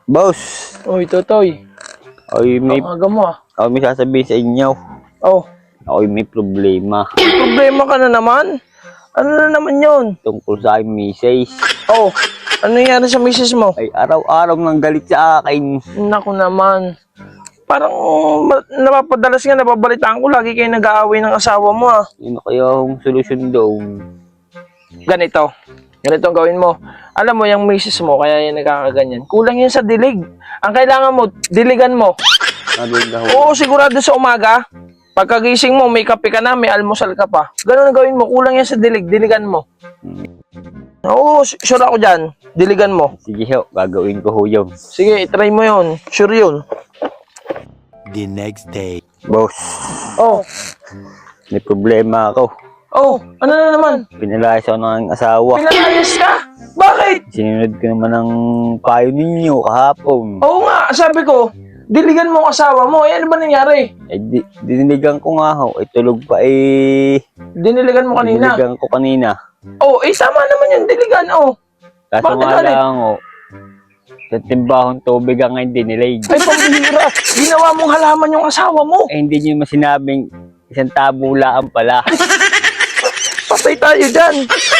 Boss, Uy, Totoy. may, Ang aga mo ah. may sasabihin sa inyo. Oh, Ako'y may problema problema ka na naman? Ano na naman yun? tungkol sa aking misis. Oh, ano nangyari sa misis mo? Ay araw-araw nang galit sa akin. Naku naman. Parang napapadalas nga, napabalitaan ko, lagi kayo nag-aaway ng asawa mo ah. Ano kaya ang solusyon daw? Ganito ang gawin mo. Alam mo, yung misis mo, kaya yan nagkakaganyan. Kulang yan sa dilig. Ang kailangan mo, diligan mo. Sabi daw, Oo, sigurado sa umaga. Pagkagising mo, may kape ka na, may almusal ka pa. Ganun ang gawin mo. Kulang yan sa dilig. Diligan mo. Oo, sure ako dyan. Diligan mo. sige ho, gagawin ko ho yun. Sige, try mo yun. Sure yun. The next day. Boss, Oh, may problema ako. oh, ano na naman? Pinalayas ako ng aking asawa. Pinalayas ka? Bakit? Sinunod ko naman ang payo ninyo kahapon. Oo nga, sabi ko, diligan mo ang asawa mo. Eh, ano ba nangyari? Diniligan ko nga ho. Tulog pa Diniligan mo kanina. Diniligan ko kanina. Oh, tama naman yung diligan, oh. Kaso Bakit nga galit? lang ho, sa timbahong tubig ang ngayon dinilig. Ay, pambihira. Ginawa mong halaman yung asawa mo. Hindi nyo masinabing isang tabula ang pala. Patay tayo dyan.